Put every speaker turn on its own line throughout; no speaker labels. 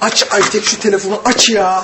Aç Aytek şu telefonu, aç ya.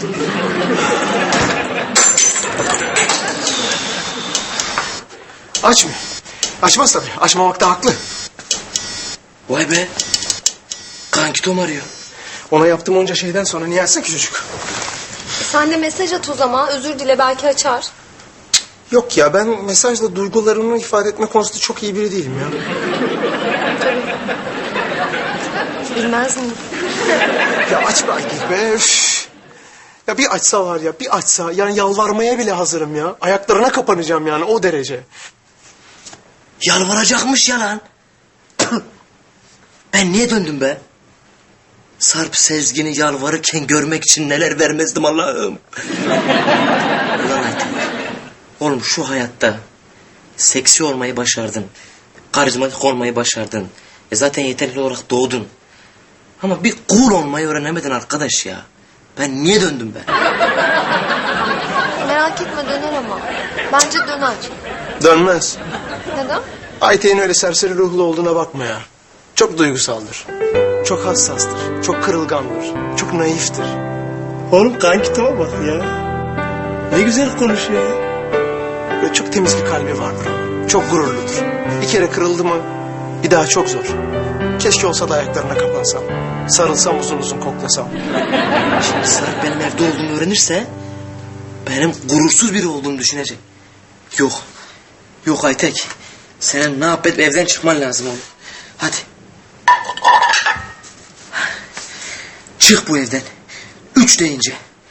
Açmıyor. Açmaz tabii. Açmamakta haklı.
Vay be. Kanki Tom arıyor.
Ona yaptığım onca şeyden sonra niye açsın ki çocuk?
Sen de mesaj at o zaman. Özür dile, belki açar.
Yok ya, ben mesajla duygularımı ifade etme konusunda çok iyi biri değilim ya.
Bilmez miyim?
Ya aç be Aytek be. Üf. Ya bir açsa var ya, bir açsa. Yani yalvarmaya bile hazırım ya. Ayaklarına kapanacağım yani, o derece.
Yalvaracakmış ya lan. Ben niye döndüm be? Sarp Sezgin'i yalvarırken görmek için neler vermezdim Allah'ım. Ulan Ayten. Oğlum şu hayatta seksi olmayı başardın. Karizmatik olmayı başardın. Zaten yeterli olarak doğdun. Ama bir cool olmayı öğrenemedin arkadaş ya. Ben niye döndüm be?
Merak etme, döner ama. Bence döner.
Dönmez.
Neden?
Aytek'in öyle serseri ruhlu olduğuna bakma ya. Çok duygusaldır. Çok hassastır. Çok kırılgandır. Çok naiftir.
Oğlum kanki Tom'a bak ya. Ne güzel konuşuyor ya.
Böyle çok temiz bir kalbi vardır onun. Çok gururludur. Bir kere kırıldı mı bir daha çok zor. Keşke olsa da ayaklarına kapansam. Sarılsam, uzun uzun koklasam.
Şimdi Sarp benim evde olduğumu öğrenirse benim gurursuz biri olduğumu düşünecek. Yok. Yok Aytek. Senin ne yapıp evden çıkman lazım oğlum. Hadi. Çık bu evden. 3 deyince.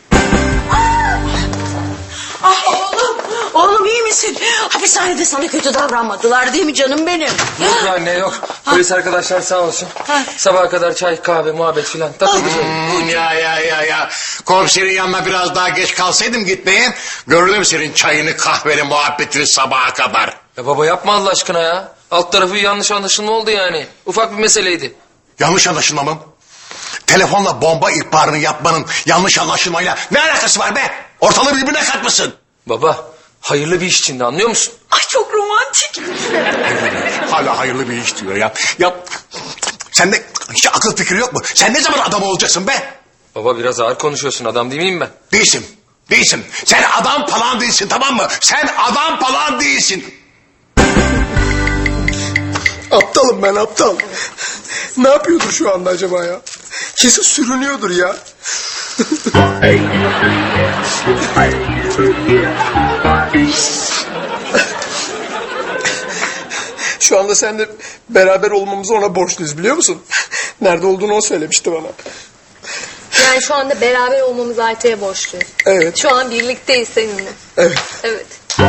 Ah oğlum, oğlum iyi misin? Hapishanede sana kötü davranmadılar değil mi canım benim?
Yok anne yok. Polis arkadaşlar sağ olsun. Sabaha kadar çay, kahve, muhabbet filan. Takıldık.
Ya. Komiserin yanına biraz daha geç kalsaydım gitmeye. Görürüm senin çayını, kahveni, muhabbetini sabaha kadar.
Ya baba yapma Allah aşkına ya. Alt tarafı yanlış anlaşılma oldu yani. Ufak bir meseleydi.
Yanlış anlaşılma mı? Telefonla bomba ihbarını yapmanın yanlış anlaşılmayla ne alakası var be? Ortalığı birbirine katmasın.
Baba hayırlı bir iş içinde, anlıyor musun?
Ay çok romantik.
Hala hayırlı bir iş diyor ya. Ya sende hiç akıl fikri yok mu? Sen ne zaman adam olacaksın be?
Baba biraz ağır konuşuyorsun, adam değil miyim ben?
Değilsin. Sen adam falan değilsin, tamam mı? Sen adam falan değilsin.
Aptalım ben, aptal. Ne yapıyordur şu anda acaba ya? Kesin sürünüyordur ya. Şu anda seninle beraber olmamızı ona borçluyuz, biliyor musun? Nerede olduğunu o söylemişti bana.
Yani şu anda beraber olmamız Aytek'e borçluyuz.
Evet.
Şu an birlikteyiz seninle.
Evet.
Evet.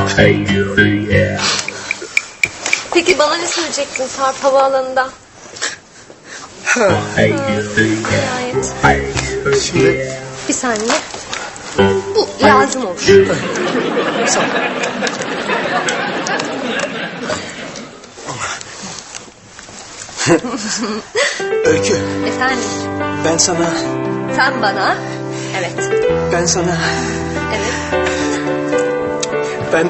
Peki bana ne söyleyecektin Sarp havaalanında? Nihayet.
Şimdi
Bir saniye. Bu lazım olur.
sağ ol. Öykü,
Efendim,
ben sana,
sen bana. Evet.
ben sana,
Evet.
ben...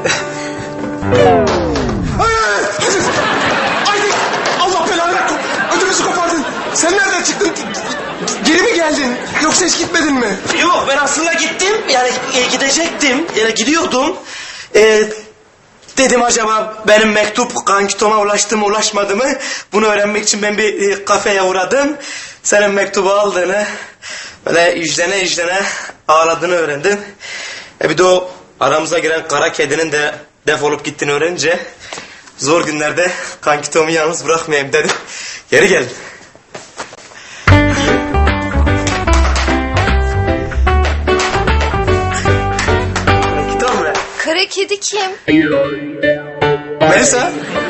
Hayır! Aytek! Allah belanı ver! Ödümüzü kopardın. Sen nereden çıktın? Geri mi geldin? Yoksa hiç gitmedin mi?
Yok ben aslında gittim. Yani gidecektim. Yani gidiyordum. Dedim acaba benim mektup kanki Tom'a ulaştı mı ulaşmadı mı? Bunu öğrenmek için ben bir kafeye uğradım. Senin mektubu aldığını, böyle yüzlene ağladığını öğrendim. Bir de o aramıza giren kara kedinin de defolup gittiğini öğrenince zor günlerde kanki Tom'u yalnız bırakmayayım dedim. Geri geldim. Kanki Tom be.
Kara kedi kim?
Melisa.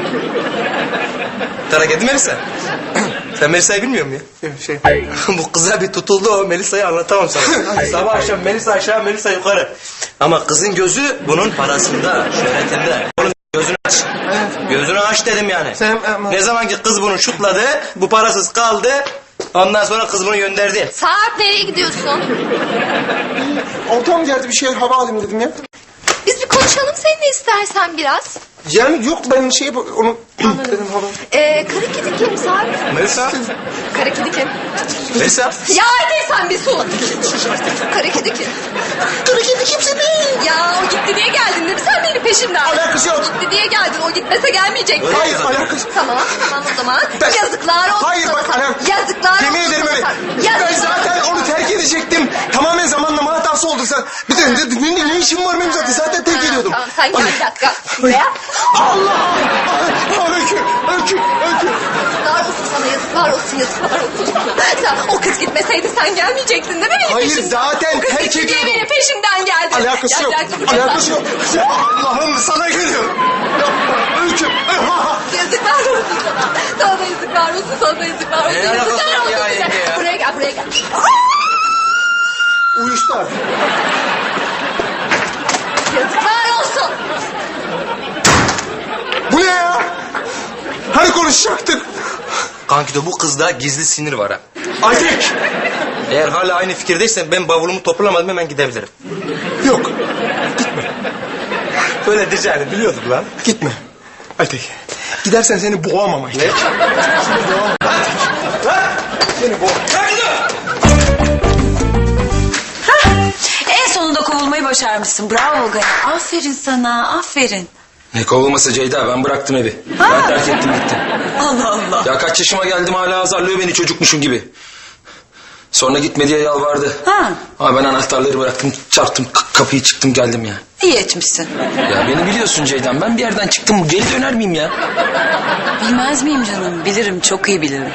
Kara kedi Melisa. Sen Melisa'yı bilmiyor musun ya?
Şey,
Bu kıza bir tutuldu o, Melisa'yı anlatamam sana. Sabah akşam Melisa aşağı, Melisa yukarı. Ama kızın gözü bunun parasında, şöhretinde. Onun gözünü aç. Gözünü aç dedim yani.
Sen,
Ne zaman ki kız bunu şutladı, bu parasız kaldı. Ondan sonra kız bunu gönderdi.
Sarp, nereye gidiyorsun?
ortam geldi, bir şey hava alayım dedim ya.
Biz bir konuşalım seninle istersen biraz.
Yani yok, ben onu
Anladım. Kara kedi kim Sarp?
Melisa.
Kara kedi kim?
Melisa.
Ya hadi sen bir sus. Kara kedi kim?
Kara kedi kimse değil.
Ya o gitti diye geldin değil mi sen benim peşimden?
Alakası yok.
Gitti diye geldin. O gitmese gelmeyecekti.
Hayır alakası.
Tamam o zaman.
Ben-
Yazıklar olsun
Hayır
sana.
bak anam.
Yazıklar
Yemin
olsun
ederim
sana.
öyle. Ben zaten onu terk edecektim. Tamamen zamanlama hatası oldu. Sen bir de ne işim var benim zaten? Zaten terk ediyordum.
Tamam sen gel bir dakika. Buraya.
Allah! Öykü.
Yazıklar olsun sana yazıklar olsun sana. Sen, o kız gitmeseydi sen gelmeyecektin değil mi benim
Hayır,
peşimden?
zaten
O kız
terk
gitti diye
ediyordum.
benim peşimden geldi.
Alakası yok. Alakası yok. Allah'ım sana geliyorum. Öykü.
Yazıklar olsun sana. Sana da yazıklar olsun sana da yazıklar olsun.
Ne alakası
Yazıklar
var ya
olsun bize.
yenge ya?
Buraya gel.
Uyuştu artık.
Yazıklar olsun.
Bu ne ya? Hani konuşacaktık?
Kankito bu kızda gizli sinir var ha.
Aytek.
Eğer hala aynı fikirdeysen ben bavulumu toplamadım hemen gidebilirim.
Yok.
Böyle diyeceğini biliyordum lan.
Gitme. Aytek. Gidersen seni boğamam Aytek.
Ne?
Seni boğamam.
En sonunda kovulmayı başarmışsın. Bravo Gani. Aferin sana, aferin.
Ne kovulması Ceyda, ben bıraktım evi. Ben terk ettim gittim.
Allah Allah.
Ya kaç yaşıma geldim hala azarlıyor beni çocukmuşum gibi. Sonra gitme diye yalvardı.
Ha,
Ama ben anahtarları bıraktım, çarptım, kapıyı çıktım geldim ya.
iyi etmişsin.
Ya beni biliyorsun Ceydan, ben bir yerden çıktım, geri döner miyim ya?
Bilmez miyim canım? Bilirim, çok iyi bilirim.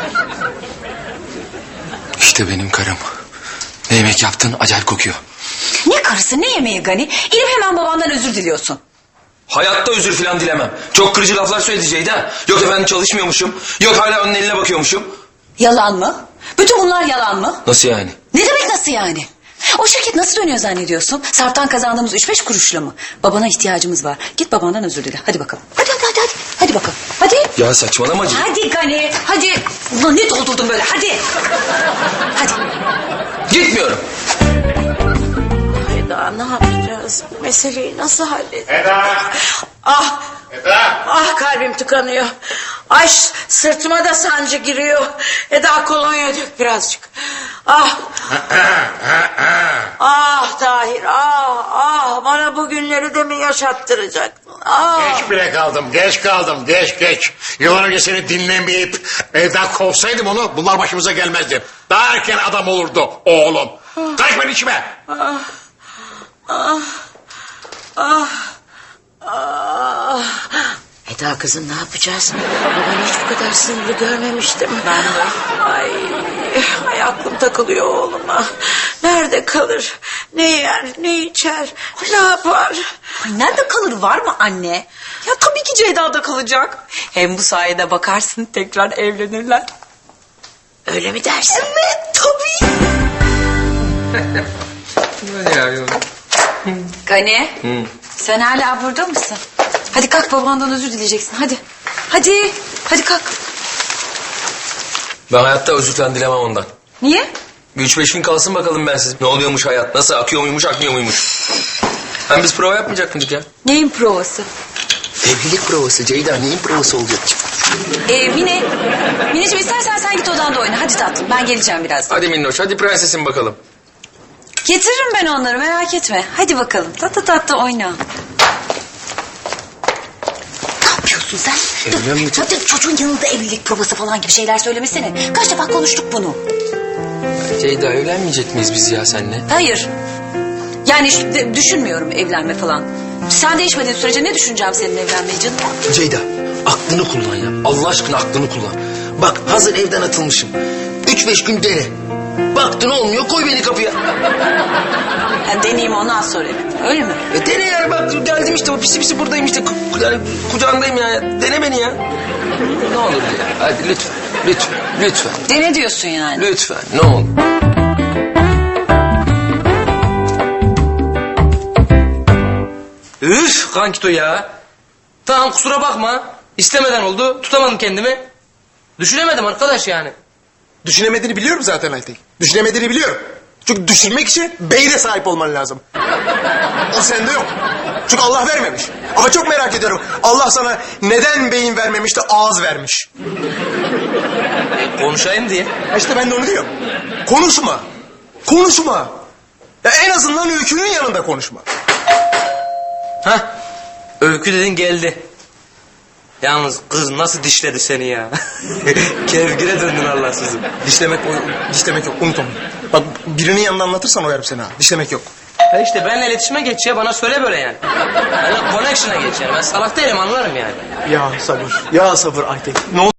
İşte benim karım. Ne yemek yaptın, acayip kokuyor.
Ne karısı, ne yemeği Gani? İnip hemen babandan özür diliyorsun.
Hayatta özür filan dilemem. Çok kırıcı laflar söyledi Ceyda. Yok efendim çalışmıyormuşum. Yok hala onun eline bakıyormuşum.
Yalan mı? Bütün bunlar yalan mı?
Nasıl yani?
Ne demek nasıl yani? O şirket nasıl dönüyor zannediyorsun? Sarp'tan kazandığımız 3-5 kuruşla mı? Babana ihtiyacımız var. Git babandan özür dile. Hadi bakalım. Hadi. Hadi bakalım. Hadi.
Ya saçmalama Ceyda.
Hadi Gani. Hadi. Ulan ne doldurdun böyle? Hadi. Hadi.
Gitmiyorum.
Eda ne yapacağız? Meseleyi nasıl halledeceğiz?
Eda!
Ah,
Eda!
ah kalbim tıkanıyor. Ay sırtıma da sancı giriyor. Eda kolonya dök birazcık. Ah. Ah Tahir, ah bana bu günleri de mi yaşattıracaksın? Ah.
Geç kaldım. Yıllar önce seni dinlemeyip evden kovsaydım onu bunlar başımıza gelmezdi. Daha erken adam olurdu oğlum. Karışma içime.
Eda kızım ne yapacağız? Babanı hiç bu kadar sinirli görmemiştim. Ben de. Ay aklım takılıyor oğluma. Nerede kalır? Ne yer, ne içer, ne yapar?
Ay nerede kalır var mı anne? Ya tabii ki Ceyda'da kalacak. Hem bu sayede bakarsın tekrar evlenirler.
Öyle mi dersin?
Evet tabii. Gani sen hala burada mısın? Hadi kalk babandan özür dileyeceksin hadi. Hadi kalk.
Ben hayatta özür falan dilemem ondan.
Niye?
Bir 3-5 gün kalsın bakalım bensiz. Ne oluyormuş hayat, nasıl akıyor muymuş, akmıyor muymuş. Hem biz prova yapmayacak mıydık ya?
Neyin provası?
Evlilik provası Ceyda, neyin provası olacak?
Mineciğim istersen sen git odanda oyna. Hadi tatlım ben geleceğim birazdan.
Hadi minnoş, hadi prensesim bakalım.
Getiririm ben onları merak etme. Hadi bakalım tatlı oyna. Ne yapıyorsun sen? Zaten çocuğun yanında evlilik provası falan gibi şeyler söylemesene. Kaç defa konuştuk bunu.
Ceyda evlenmeyecek miyiz biz ya seninle?
Hayır. Yani düşünmüyorum evlenme falan. Sen değişmediğin sürece ne düşüneceğim senin evlenmeyi canım?
Ceyda aklını kullan ya. Allah aşkına aklını kullan. Bak hazır evden atılmışım. 3-5 gün dene. Baktın olmuyor koy beni kapıya.
Yani deneyeyim ondan sonra. Öyle mi?
Dene yani bak geldim işte o pisi buradayım işte. Yani kucağındayım ya. Dene beni ya. Ne olur ya. Hadi lütfen.
Dene diyorsun yani.
Lütfen ne olur.
Üf kankito ya. Tamam kusura bakma. İstemeden oldu. Tutamadım kendimi. Düşünemedim arkadaş yani.
Düşünemediğini biliyorum zaten Aytek. Düşünemediğini biliyorum. Çünkü düşünmek için beyne sahip olman lazım. O sende yok. Çünkü Allah vermemiş. Ama çok merak ediyorum. Allah sana neden beyin vermemiş de ağız vermiş?
Konuşayım diye.
İşte ben de onu diyorum. Konuşma. Konuşma. Ya en azından Öykü'nün yanında konuşma.
Hah. Öykü dedin geldi. Yalnız kız nasıl dişledi seni ya? Kevgire döndün Allahsızım.
Dişlemek yok. Unut onu. Bak birinin yanında anlatırsan oyarım seni ha. Dişlemek yok.
Ha işte benimle iletişime geç ya, bana söyle böyle yani. Benimle connection'a geç yani. Ben salak değilim, anlarım yani.
Ya sabır. Ya sabır Aytek. Ne